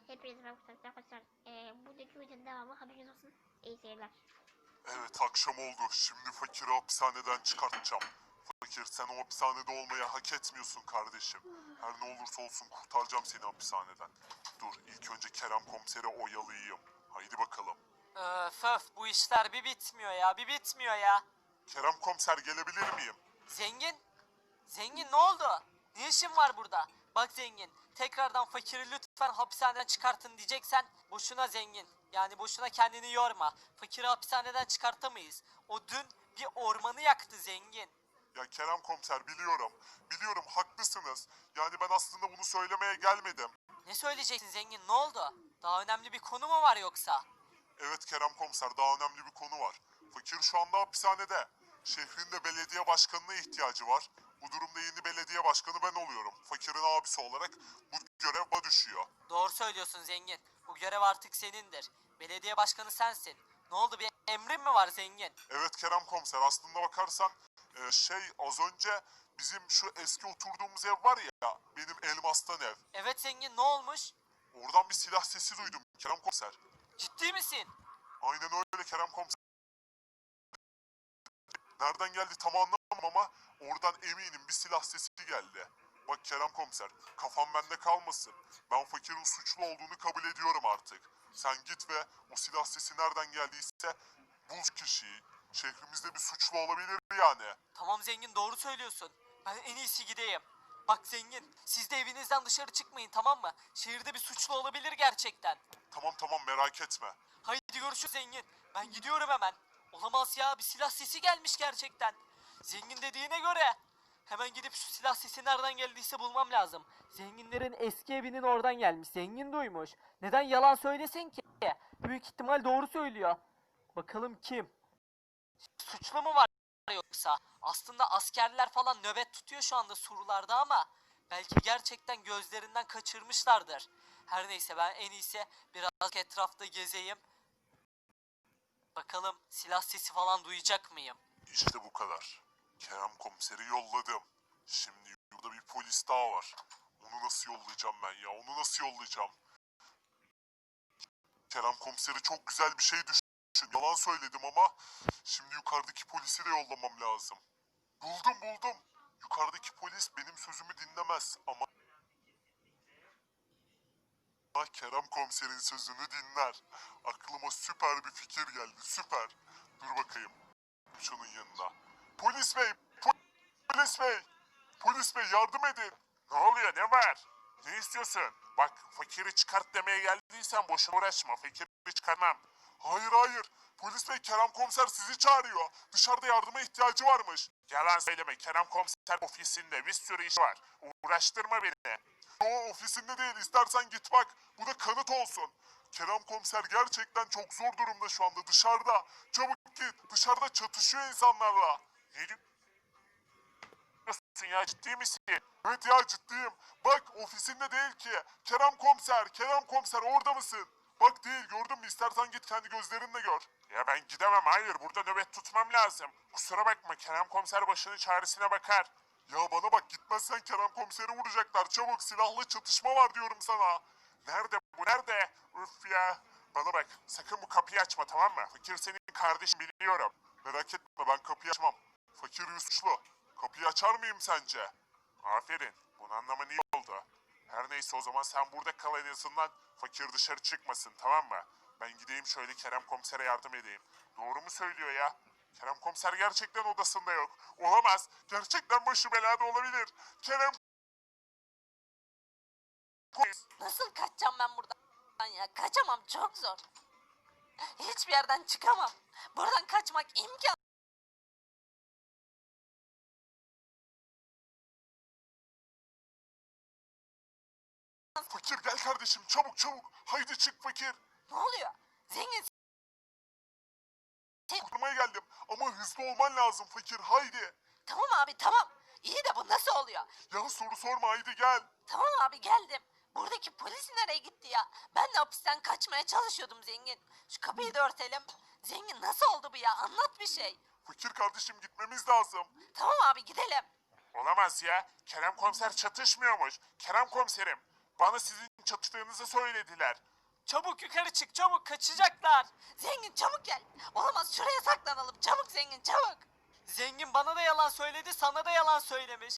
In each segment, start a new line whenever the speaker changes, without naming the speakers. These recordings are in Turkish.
Hepinize merhaba arkadaşlar. Buradaki videonun devamı haberiniz olsun. İyi seyirler.
Evet, akşam oldu. Şimdi fakiri hapishaneden çıkartacağım. Fakir, sen o hapishanede olmayı hak etmiyorsun kardeşim. Her ne olursa olsun kurtaracağım seni hapishaneden. Dur, ilk önce Kerem komiseri oyalayayım. Haydi bakalım.
Öf bu işler bir bitmiyor ya, bir bitmiyor ya.
Kerem komiser, gelebilir miyim?
Zengin? Zengin ne oldu? Ne işin var burada? Bak zengin, tekrardan fakiri lütfen hapishaneden çıkartın diyeceksen boşuna zengin. Yani boşuna kendini yorma. Fakiri hapishaneden çıkartamayız. O dün bir ormanı yaktı zengin.
Ya Kerem komiser, biliyorum. Biliyorum, haklısınız. Yani ben aslında bunu söylemeye gelmedim.
Ne söyleyeceksin zengin, ne oldu? Daha önemli bir konu mu var yoksa?
Evet Kerem komiser, daha önemli bir konu var. Fakir şu anda hapishanede. Şehrin de belediye başkanına ihtiyacı var. Bu durumda yeni belediye başkanı ben oluyorum. Fakirin abisi olarak bu görev bana düşüyor.
Doğru söylüyorsun zengin. Bu görev artık senindir. Belediye başkanı sensin. Ne oldu, bir emrin mi var zengin?
Evet Kerem komiser, aslında bakarsan az önce bizim şu eski oturduğumuz ev var ya, benim Elmas'tan ev.
Evet zengin, ne olmuş?
Oradan bir silah sesi duydum Kerem komiser.
Ciddi misin?
Aynen öyle Kerem komiser. Nereden geldi tam anlamam ama oradan eminim bir silah sesi geldi. Bak Kerem komiser, kafam bende kalmasın. Ben fakirin suçlu olduğunu kabul ediyorum artık. Sen git ve o silah sesi nereden geldiyse bul kişiyi. Şehrimizde bir suçlu olabilir yani.
Tamam zengin, doğru söylüyorsun. Ben en iyisi gideyim. Bak zengin, siz de evinizden dışarı çıkmayın, tamam mı? Şehirde bir suçlu olabilir gerçekten.
Tamam merak etme.
Haydi görüşürüz zengin. Ben gidiyorum hemen. Olamaz ya, bir silah sesi gelmiş gerçekten. Zengin dediğine göre. Hemen gidip şu silah sesi nereden geldiyse bulmam lazım. Zenginlerin eski evinin oradan gelmiş. Zengin duymuş. Neden yalan söylesin ki? Büyük ihtimal doğru söylüyor. Bakalım kim? Suçlu mu var yoksa? Aslında askerler falan nöbet tutuyor şu anda surlarda ama belki gerçekten gözlerinden kaçırmışlardır. Her neyse, ben en iyisi biraz etrafta gezeyim. Bakalım silah sesi falan duyacak mıyım?
İşte bu kadar. Kerem komiseri yolladım. Şimdi burada bir polis daha var. Onu nasıl yollayacağım ben ya? Onu nasıl yollayacağım? Kerem komiseri çok güzel bir şey düşün. Yalan söyledim ama şimdi yukarıdaki polisi de yollamam lazım. Buldum. Yukarıdaki polis benim sözümü dinlemez ama Kerem komiserin sözünü dinler. Aklıma süper bir fikir geldi, süper. Dur bakayım şunun yanına. Polis bey, polis bey, polis bey yardım edin. Ne oluyor, ne var? Ne istiyorsun? Bak, fakiri çıkart demeye geldiysen boşuna uğraşma, fakiri çıkarmam. Hayır, polis bey, Kerem komiser sizi çağırıyor. Dışarıda yardıma ihtiyacı varmış. Yalan söyleme, Kerem komiser ofisinde bir sürü iş var. Uğraştırma beni. O ofisinde değil, istersen git bak. Bu da kanıt olsun. Kerem komiser gerçekten çok zor durumda şu anda, dışarıda. Çabuk git, dışarıda çatışıyor insanlarla. Ne diyorsun ya, ciddi misin? Evet ya, ciddiyim. Bak, ofisinde değil ki. Kerem komiser orada mısın? Bak değil, gördün mü? İstersen git kendi gözlerinle gör. Ya ben gidemem, hayır, burada nöbet tutmam lazım. Kusura bakma, Kerem komiser başının çaresine bakar. Ya bana bak, gitmezsen Kerem komiseri vuracaklar. Çabuk, silahlı çatışma var diyorum sana. Nerede bu, nerede? Üf ya. Bana bak, sakın bu kapıyı açma, tamam mı? Fakir senin kardeşin, biliyorum. Merak etme, ben kapıyı açmam. Fakir suçlu. Kapıyı açar mıyım sence? Aferin. Bunu anlaman iyi oldu. Her neyse, o zaman sen burada kal, en azından fakir dışarı çıkmasın, tamam mı? Ben gideyim şöyle Kerem komisere yardım edeyim. Doğru mu söylüyor ya? Kerem komiser gerçekten odasında yok. Olamaz. Gerçekten başı belada olabilir. Kerem
Nasıl kaçacağım ben buradan ya? Kaçamam, çok zor. Hiçbir yerden çıkamam. Buradan kaçmak imkansız.
Fakir gel kardeşim, çabuk. Haydi çık fakir.
Ne oluyor? Zengin,
Kurmaya geldim ama hızlı olman lazım fakir, haydi.
tamam abi tamam. İyi de bu nasıl oluyor?
Ya soru sorma, haydi gel.
Tamam abi, geldim. Buradaki polis nereye gitti ya? Ben de hapisten kaçmaya çalışıyordum zengin. Şu kapıyı da örtelim. Zengin, nasıl oldu bu ya? Anlat bir şey.
Fakir kardeşim, gitmemiz lazım.
Tamam abi, gidelim.
Olamaz ya. Kerem komiser çatışmıyormuş. Kerem komiserim. Bana sizin çatıştığınızı söylediler.
Çabuk yukarı çık, çabuk kaçacaklar.
Zengin çabuk gel. Olamaz, şuraya saklanalım. Çabuk zengin çabuk.
Zengin bana da yalan söyledi, sana da yalan söylemiş.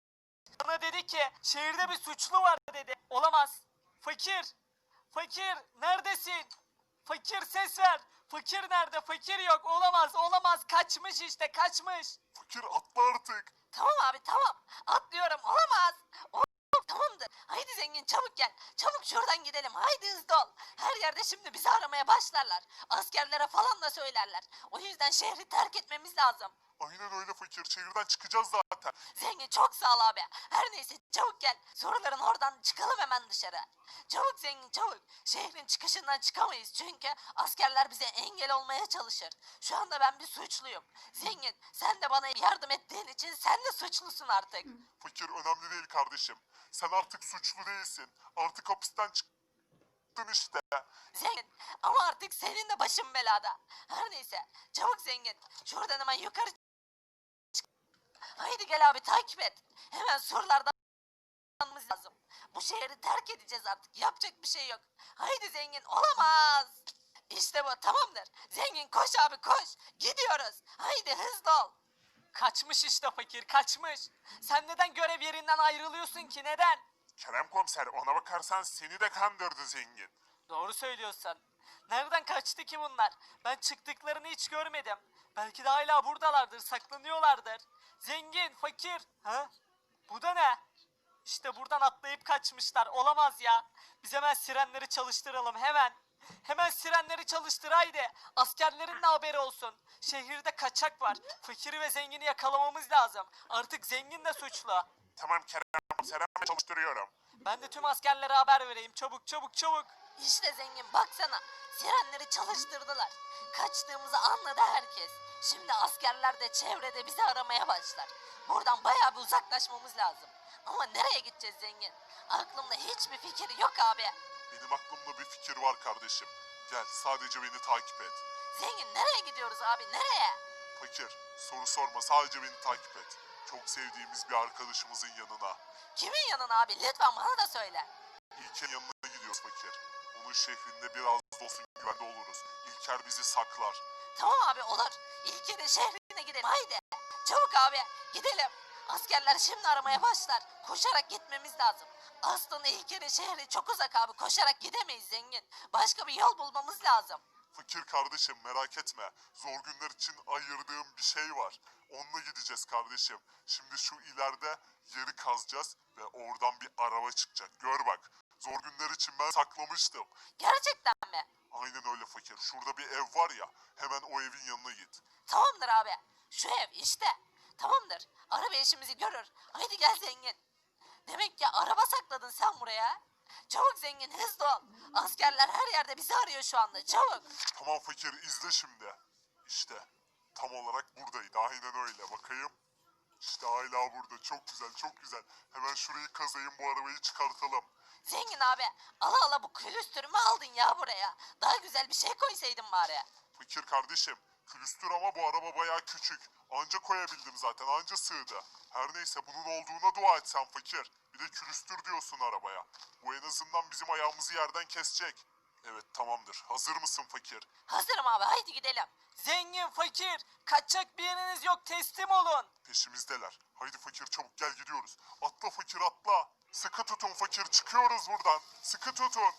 Bana dedi ki şehirde bir suçlu var dedi. Olamaz. Fakir. Fakir neredesin? Fakir ses ver. Fakir nerede? Fakir yok. Olamaz, olamaz. Kaçmış işte, kaçmış.
Fakir atla artık.
Tamam abi tamam. Atlıyorum, olamaz. Tamamdır. Haydi zengin çabuk gel. Çabuk şuradan gidelim. Haydi hızlı ol. Her yerde şimdi bizi aramaya başlarlar. Askerlere falan da söylerler. O yüzden şehri terk etmemiz lazım.
Aynen öyle fakir. Şehirden çıkacağız zaten.
Zengin çok sağ ol abi. Her neyse çabuk gel. Soruların oradan çıkalım hemen dışarı. Çabuk zengin çabuk. Şehrin çıkışından çıkamayız çünkü askerler bize engel olmaya çalışır. Şu anda ben bir suçluyum. Zengin sen de bana yardım ettiğin için sen de suçlusun artık.
Fakir önemli değil kardeşim. Sen artık suçlu değilsin. Artık hapisten çıktın işte.
Zengin ama artık senin de başın belada. Her neyse çabuk zengin. Şuradan hemen yukarı çık. Haydi gel abi takip et. Hemen surlardan çıkmamız lazım. Bu şehri terk edeceğiz artık. Yapacak bir şey yok. Haydi zengin olamaz. İşte bu tamamdır. Zengin koş abi koş. Gidiyoruz. Haydi hızlı ol.
Kaçmış işte fakir, kaçmış. Sen neden görev yerinden ayrılıyorsun ki, neden?
Kerem komiser ona bakarsan seni de kandırdı zengin.
Doğru söylüyorsun. Nereden kaçtı ki bunlar? Ben çıktıklarını hiç görmedim. Belki de hala buradalardır, saklanıyorlardır. Zengin, fakir. Ha? Bu da ne? İşte buradan atlayıp kaçmışlar. Olamaz ya. Biz hemen sirenleri çalıştıralım, hemen. Hemen sirenleri çalıştır haydi. Askerlerin de haberi olsun. Şehirde kaçak var. Fakiri ve zengini yakalamamız lazım. Artık zengin de suçlu.
Tamam Kerem komiser hemen çalıştırıyorum.
Ben de tüm askerlere haber vereyim. Çabuk çabuk çabuk.
İşte zengin baksana. Sirenleri çalıştırdılar. Kaçtığımızı anladı herkes. Şimdi askerler de çevrede bizi aramaya başlar. Buradan bayağı bir uzaklaşmamız lazım. Ama nereye gideceğiz zengin? Aklımda hiçbir fikir yok abi.
Benim aklımda bir fikir var kardeşim. Gel sadece beni takip et.
Zengin nereye gidiyoruz abi nereye?
Fakir soru sorma sadece beni takip et. Çok sevdiğimiz bir arkadaşımızın yanına.
Kimin yanına abi lütfen bana da söyle.
İlker'in yanına gidiyoruz fakir. Onun şehrinde biraz da olsun güvende oluruz. İlker bizi saklar.
Tamam abi olur. İlker'in şehrine gidelim haydi. Çabuk abi gidelim. Askerler şimdi aramaya başlar. Koşarak gitmemiz lazım. Aslında İlker'in şehri çok uzak abi. Koşarak gidemeyiz zengin. Başka bir yol bulmamız lazım.
Fakir kardeşim merak etme. Zor günler için ayırdığım bir şey var. Onunla gideceğiz kardeşim. Şimdi şu ileride yeri kazacağız ve oradan bir araba çıkacak. Gör bak. Zor günler için ben saklamıştım.
Gerçekten mi?
Aynen öyle fakir. Şurada bir ev var ya. Hemen o evin yanına git.
Tamamdır abi. Şu ev işte. Tamamdır. Araba işimizi görür. Haydi gel zengin. Demek ki araba sakladın sen buraya. Çabuk zengin hızlı ol. Askerler her yerde bizi arıyor şu anda. Çabuk.
Tamam fakir izle şimdi. İşte tam olarak buradaydı. Aynen öyle. Bakayım. İşte hala burada. Çok güzel çok güzel. Hemen şurayı kazayım bu arabayı çıkartalım.
Zengin abi ala ala bu külüstürümü aldın ya buraya. Daha güzel bir şey koysaydın bari.
Fakir kardeşim. Külüstür ama bu araba bayağı küçük. Anca koyabildim zaten. Anca sığdı. Her neyse bunun olduğuna dua et sen fakir. Bir de külüstür diyorsun arabaya. Bu en azından bizim ayağımızı yerden kesecek. Evet tamamdır. Hazır mısın fakir?
Hazırım abi haydi gidelim.
Zengin, fakir. Kaçacak bir yeriniz yok, teslim olun.
Peşimizdeler. Haydi fakir çabuk gel gidiyoruz. Atla fakir atla. Sıkı tutun fakir çıkıyoruz buradan. Sıkı tutun.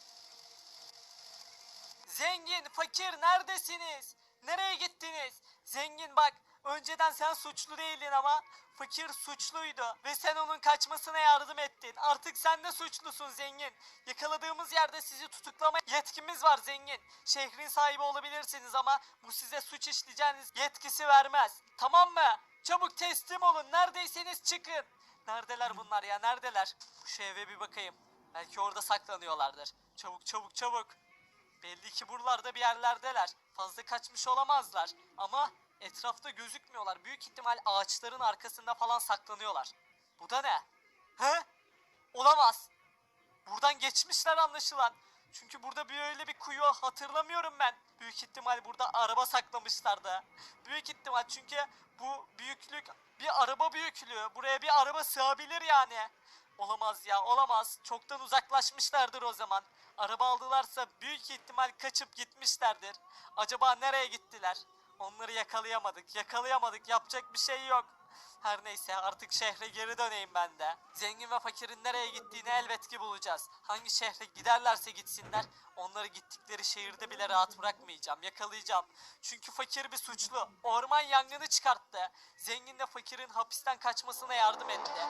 Zengin, fakir neredesiniz? Nereye gittiniz? Zengin bak, önceden sen suçlu değildin ama fakir suçluydu ve sen onun kaçmasına yardım ettin. Artık sen de suçlusun zengin. Yakaladığımız yerde sizi tutuklama yetkimiz var zengin. Şehrin sahibi olabilirsiniz ama bu size suç işleyeceğiniz yetkisi vermez. Tamam mı? Çabuk teslim olun. Neredeyseniz çıkın. Neredeler bunlar ya? Neredeler? Şu eve bir bakayım. Belki orada saklanıyorlardır. Çabuk çabuk çabuk. Belli ki buralarda bir yerlerdeler. Fazla kaçmış olamazlar. Ama etrafta gözükmüyorlar. Büyük ihtimal ağaçların arkasında falan saklanıyorlar. Bu da ne? He? Olamaz. Buradan geçmişler anlaşılan. Çünkü burada böyle bir kuyu hatırlamıyorum ben. Büyük ihtimal burada araba saklamışlardı. Büyük ihtimal çünkü bu büyüklük bir araba büyüklüğü. Buraya bir araba sığabilir yani. Olamaz ya, olamaz. Çoktan uzaklaşmışlardır o zaman. Araba aldılarsa büyük ihtimal kaçıp gitmişlerdir. Acaba nereye gittiler? Onları yakalayamadık. Yapacak bir şey yok. Her neyse, artık şehre geri döneyim ben de. Zengin ve fakirin nereye gittiğini elbet ki bulacağız. Hangi şehre giderlerse gitsinler, onları gittikleri şehirde bile rahat bırakmayacağım. Yakalayacağım. Çünkü fakir bir suçlu. Orman yangını çıkarttı. Zengin de fakirin hapisten kaçmasına yardım etti.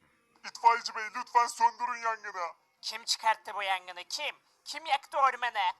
İtfaiyeci bey lütfen söndürün yangını.
Kim çıkarttı bu yangını? Kim? Kim yaktı ormanı?